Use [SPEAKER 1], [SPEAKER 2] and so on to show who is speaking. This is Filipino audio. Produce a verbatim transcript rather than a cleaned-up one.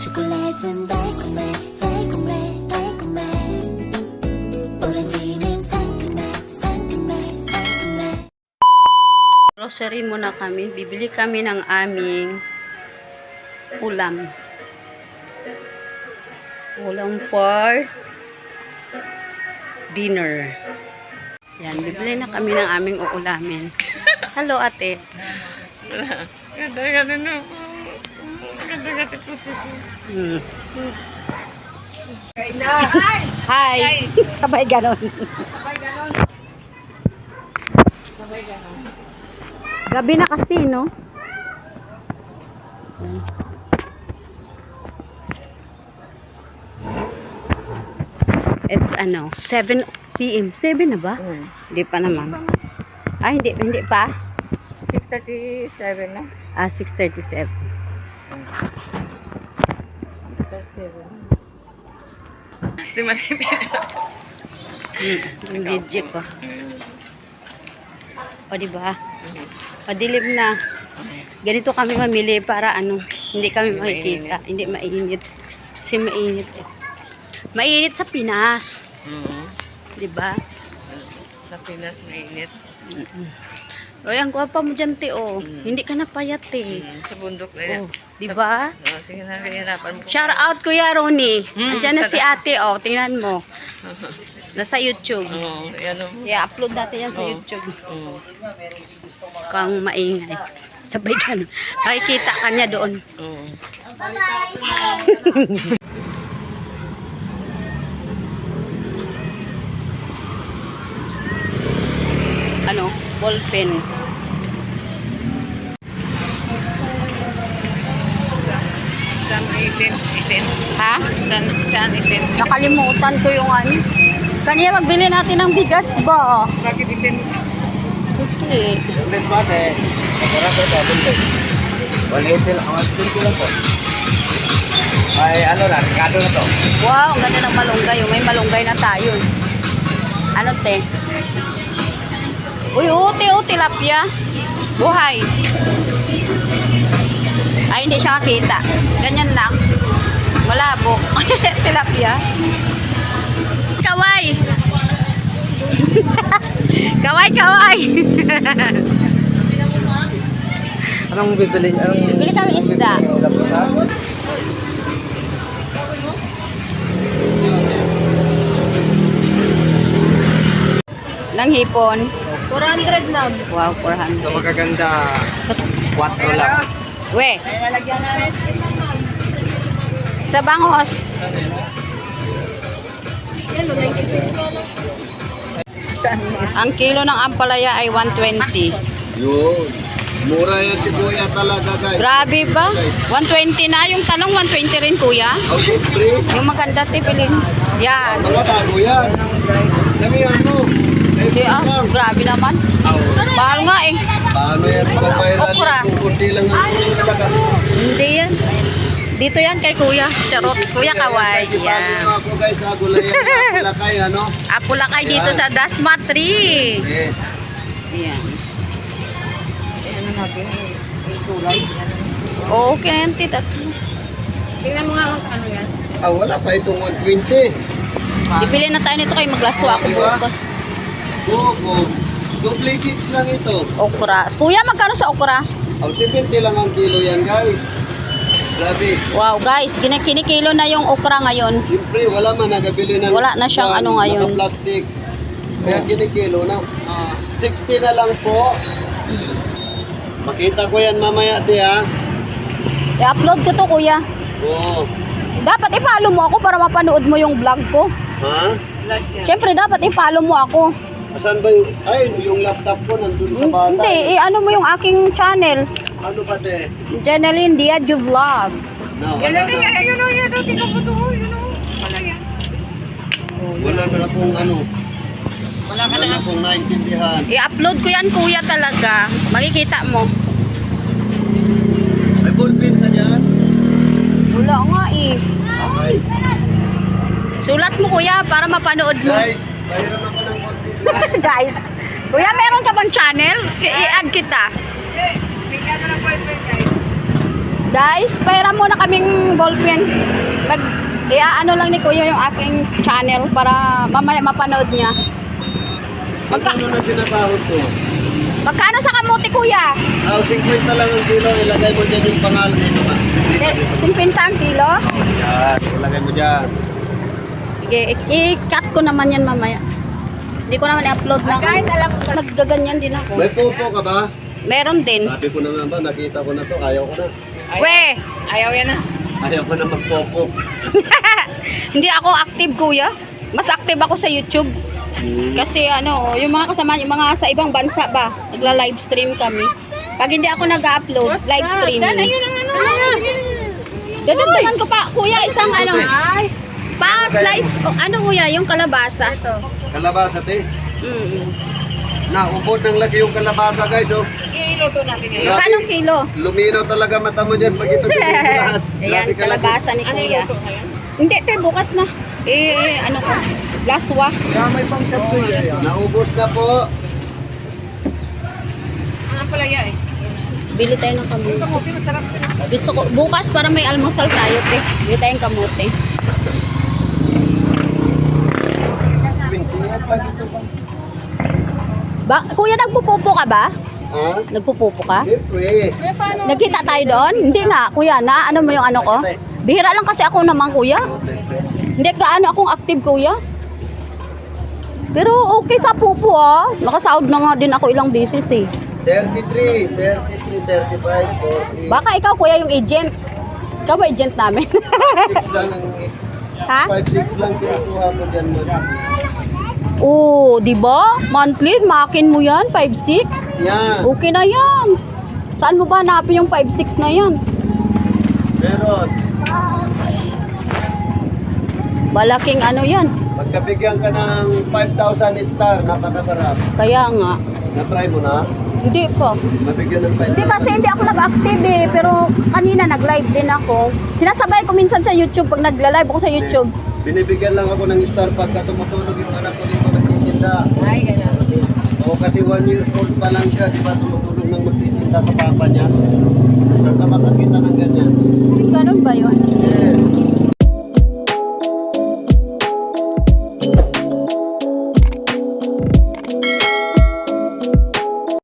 [SPEAKER 1] 초콜릿은 달콤해 달콤해 달콤해 오렌지는 상큼해 상큼해 상큼해.
[SPEAKER 2] Grocery muna kami. Bibili kami ng aming ulam. Ulam for dinner. Yan, bibili na kami ng aming uulamin. Hello, ate.
[SPEAKER 3] Ganda-ganda na po. Ganda-ganda po siya.
[SPEAKER 2] Hmm. Hi! Sabay ganon.
[SPEAKER 3] Sabay ganon. Sabay ganon.
[SPEAKER 2] Gabi na kasi, no? It's ano, seven p m seven na ba?
[SPEAKER 3] Hmm.
[SPEAKER 2] Hindi pa naman. Ay, hindi, hindi pa.
[SPEAKER 3] six thirty-seven na.
[SPEAKER 2] Ah, six thirty-seven.
[SPEAKER 3] Si Maripit.
[SPEAKER 2] Hmm, yung video ko. O, diba? O, dilim na. Ganito kami mamili para ano, hindi kami makikita. Hindi mainit. Kasi mainit eh. Mainit sa Pinas.
[SPEAKER 3] Mm-hmm.
[SPEAKER 2] Diba?
[SPEAKER 3] Sa Pinas mainit.
[SPEAKER 2] Mm-mm. Oy, ang gwapa mo dyan, te, oh.
[SPEAKER 3] Mm.
[SPEAKER 2] Hindi ka napayat, eh.
[SPEAKER 3] Mm, sa bundok na yan.
[SPEAKER 2] Oh, diba?
[SPEAKER 3] Oh, sige na, hirapan mo.
[SPEAKER 2] Shout out, Kuya Ronnie.
[SPEAKER 3] Mm,
[SPEAKER 2] Andiyan na
[SPEAKER 3] shout
[SPEAKER 2] si ate, oh. Tingnan mo. Nasa YouTube.
[SPEAKER 3] Oo, yan o.
[SPEAKER 2] I-upload natin yan sa
[SPEAKER 3] Oh.
[SPEAKER 2] YouTube.
[SPEAKER 3] Oo.
[SPEAKER 2] Kang maingay. Sabay ka. Nakikita ka niya doon.
[SPEAKER 3] Oo.
[SPEAKER 2] Ano? Ballpen.
[SPEAKER 3] Saan isin? Isin?
[SPEAKER 2] Ha?
[SPEAKER 3] Saan, saan isin?
[SPEAKER 2] Nakalimutan ko yung ano. Kanina magbili natin ng bigas ba?
[SPEAKER 3] Bakit isin?
[SPEAKER 2] Okay.
[SPEAKER 4] Ulit mo ate. Masarap ito, buntot. one eighty lang. one twenty lang po. Ay, ano na, Ricardo na to.
[SPEAKER 2] Wow, ang ganda ng malunggay. Oh. May malunggay na tayo. Ano, te? Uy, uti, uti, tilapia. Buhay. Ay, hindi siya nakita. Ganyan lang. Malabo. Tilapia. Kaway. Kaway, kaway.
[SPEAKER 4] Anong bibili? Anong
[SPEAKER 2] Bili kami isda. Lang hipon.
[SPEAKER 3] four hundred lang.
[SPEAKER 2] Wow, four hundred.
[SPEAKER 4] So magaganda, four lang.
[SPEAKER 2] We,
[SPEAKER 3] Ay, lalagyan na.
[SPEAKER 2] sa bangos.
[SPEAKER 3] Yan, ninety-six na lang.
[SPEAKER 2] Ang kilo ng ampalaya ay one twenty.
[SPEAKER 4] Yun. Mura yan si Kuya talaga, guys.
[SPEAKER 2] Grabe ba? one twenty na. Yung talong one twenty rin, kuya.
[SPEAKER 4] Oh, siyempre.
[SPEAKER 2] Yung maganda, tipilin. Yan.
[SPEAKER 4] Mga bago yan. Kami ano?
[SPEAKER 2] Hindi ah, grabe naman. Mahal nga eh.
[SPEAKER 4] Paano yan? Pagbayaran
[SPEAKER 2] Okra.
[SPEAKER 4] yan. Kukunti lang ang talaga.
[SPEAKER 2] Hindi yan. Dito yan kay kuya. Charot. Kuya Kaway.
[SPEAKER 4] Kasi bago
[SPEAKER 2] Yan.
[SPEAKER 4] nga ako, guys. Ha, gulay yan. Pila kayo, ano?
[SPEAKER 2] Apulakay dito sa Dasma Tree.
[SPEAKER 4] Eh.
[SPEAKER 2] Yan.
[SPEAKER 3] Ano natin, yung tulay.
[SPEAKER 2] Okay na yan, tita.
[SPEAKER 3] Tingnan mo nga kung ano yan.
[SPEAKER 4] Ah, wala pa itong one twenty.
[SPEAKER 2] Bibili na tayo nito kay maglaswa ako bukas.
[SPEAKER 4] Oo, oo. Double seats lang ito.
[SPEAKER 2] Okra. Kuya, magkano sa okra?
[SPEAKER 4] Oh, seventy lang ang kilo yan, guys. Grabe.
[SPEAKER 2] Wow, guys. Kinikilo na yung okra ngayon.
[SPEAKER 4] Siyempre, wala man nagabili ng...
[SPEAKER 2] Wala na siyang ano ngayon.
[SPEAKER 4] Naka-plastic. Kaya kinikilo na. sixty na lang po. Makita ko yan mamaya, di ha?
[SPEAKER 2] I-upload ko to, kuya.
[SPEAKER 4] Oo.
[SPEAKER 2] Dapat i-follow mo ako para mapanood mo yung vlog ko.
[SPEAKER 4] Ha?
[SPEAKER 2] Siyempre, dapat i-follow mo ako.
[SPEAKER 4] Asan ba yung... Ay, yung laptop ko nandun sa bata.
[SPEAKER 2] Hindi, i-ano mo yung aking channel.
[SPEAKER 4] Ano ba, te?
[SPEAKER 2] Janeline Diadjo Vlog.
[SPEAKER 4] No,
[SPEAKER 3] Yan
[SPEAKER 4] wala
[SPEAKER 3] lang,
[SPEAKER 4] na.
[SPEAKER 3] ayun o, yan o, tingnan mo to, yun o. Wala yan.
[SPEAKER 4] Wala na akong ano.
[SPEAKER 3] Wala ka
[SPEAKER 4] Wala na
[SPEAKER 3] na.
[SPEAKER 4] akong naintindihan.
[SPEAKER 2] I-upload ko yan, kuya, talaga. Makikita mo.
[SPEAKER 4] May ballpen ka dyan?
[SPEAKER 2] Wala nga eh.
[SPEAKER 4] Okay.
[SPEAKER 2] Sulat mo, kuya, para mapanood mo.
[SPEAKER 4] Guys, bayaran ako ng konti.
[SPEAKER 2] Guys. Kuya, meron ka bang channel? I-add kita.
[SPEAKER 3] Bigyan mo ng boyfriend, guys.
[SPEAKER 2] Guys, pahira muna kaming ballpen. Pag, ano lang ni Kuya yung aking channel para mamaya mapanood niya. Magka,
[SPEAKER 4] Magkano na sinasahod ko?
[SPEAKER 2] magkano sa kamuti, Kuya?
[SPEAKER 4] Ah, fifty lang ang kilo. Ilagay mo dyan yung pangalan nito nga.
[SPEAKER 2] fifty ang kilo?
[SPEAKER 4] Yan, ilagay mo dyan.
[SPEAKER 2] Sige, i- i-cut ko naman yan mamaya. Hindi ko naman i-upload na.
[SPEAKER 3] Guys, alam mo ba?
[SPEAKER 2] Naggaganyan din ako.
[SPEAKER 4] May pupo ka ba?
[SPEAKER 2] Meron din.
[SPEAKER 4] Sabi ko na nga ba, nakita ko na to. Ayaw ko na.
[SPEAKER 2] We!
[SPEAKER 3] Ayaw yan na.
[SPEAKER 4] Ayaw ko na magpopo.
[SPEAKER 2] Hindi ako active, Kuya. Mas active ako sa YouTube.
[SPEAKER 4] Hmm.
[SPEAKER 2] Kasi ano, yung mga kasama, yung mga sa ibang bansa ba, nagla-live stream kami. Pag hindi ako nag-upload, live streaming.
[SPEAKER 3] Sana yun ang ano.
[SPEAKER 2] Dadagdagan ko pa, Kuya, isang ano,
[SPEAKER 3] Ay.
[SPEAKER 2] pa slice, o, ano Kuya, yung kalabasa.
[SPEAKER 3] Ito.
[SPEAKER 4] Kalabasa, te.
[SPEAKER 2] Mm.
[SPEAKER 4] Naubod ng laki yung kalabasa, guys, oh.
[SPEAKER 3] Iluto natin ngayon.
[SPEAKER 4] Grabe.
[SPEAKER 2] Kanong kilo?
[SPEAKER 4] Luminaw talaga mata mo dyan pag ito bigay mo lahat.
[SPEAKER 2] Ayan,
[SPEAKER 4] Grabe ka lagi.
[SPEAKER 2] kalabasa ni
[SPEAKER 3] Ano
[SPEAKER 2] Kuya.
[SPEAKER 3] iluto ngayon?
[SPEAKER 2] Hindi, te, bukas na. Eh, ano ko, laswa.
[SPEAKER 4] Naubos na po.
[SPEAKER 3] Ang apalaya eh.
[SPEAKER 2] Bili tayo ng
[SPEAKER 3] Yung
[SPEAKER 2] kamote.
[SPEAKER 3] kamote masarap.
[SPEAKER 2] Gusto ko, bukas para may almusal tayo, te. Bili tayong kamote. Ba, Kuya, nagpupupo ka ba?
[SPEAKER 4] Ha?
[SPEAKER 2] Nagpupupo ka?
[SPEAKER 4] Siyempre.
[SPEAKER 2] Nagkita tayo doon? Hindi nga, Kuya, na ano mo yung ano ko? Bihira lang kasi ako naman, Kuya. Hindi gaano akong active, Kuya. Pero okay sa pupo, ah. Nakasahod na nga din ako ilang beses, eh.
[SPEAKER 4] thirty-three, thirty-three, thirty-five, forty.
[SPEAKER 2] Baka ikaw, Kuya, yung agent. Ikaw ba agent namin?
[SPEAKER 4] six lang ang
[SPEAKER 2] Ha?
[SPEAKER 4] five six lang kinukuha ko dyan mo.
[SPEAKER 2] Oo, di ba? Monthly, makin mo yan, five six.
[SPEAKER 4] Yan.
[SPEAKER 2] Okay na yan. Saan mo ba hanapin yung five six na yan?
[SPEAKER 4] Meron.
[SPEAKER 2] Malaking ano yan.
[SPEAKER 4] Pagkabigyan ka ng five thousand star, napakasarap.
[SPEAKER 2] Kaya nga.
[SPEAKER 4] Na-try mo na?
[SPEAKER 2] Hindi pa.
[SPEAKER 4] Mabigyan ng five
[SPEAKER 2] Hindi
[SPEAKER 4] thousand.
[SPEAKER 2] kasi hindi ako nag-active eh. Pero kanina nag-live din ako. Sinasabay ko minsan sa YouTube pag nagla-live ako sa YouTube.
[SPEAKER 4] Binibigyan lang ako ng star pagka tumutulog yung anak ko dito nagtitinda.
[SPEAKER 3] Ay, ganun.
[SPEAKER 4] Oo, kasi one year old pa lang siya, di ba tumutulog nang magtitinda sa papa niya. Saan ka makakita?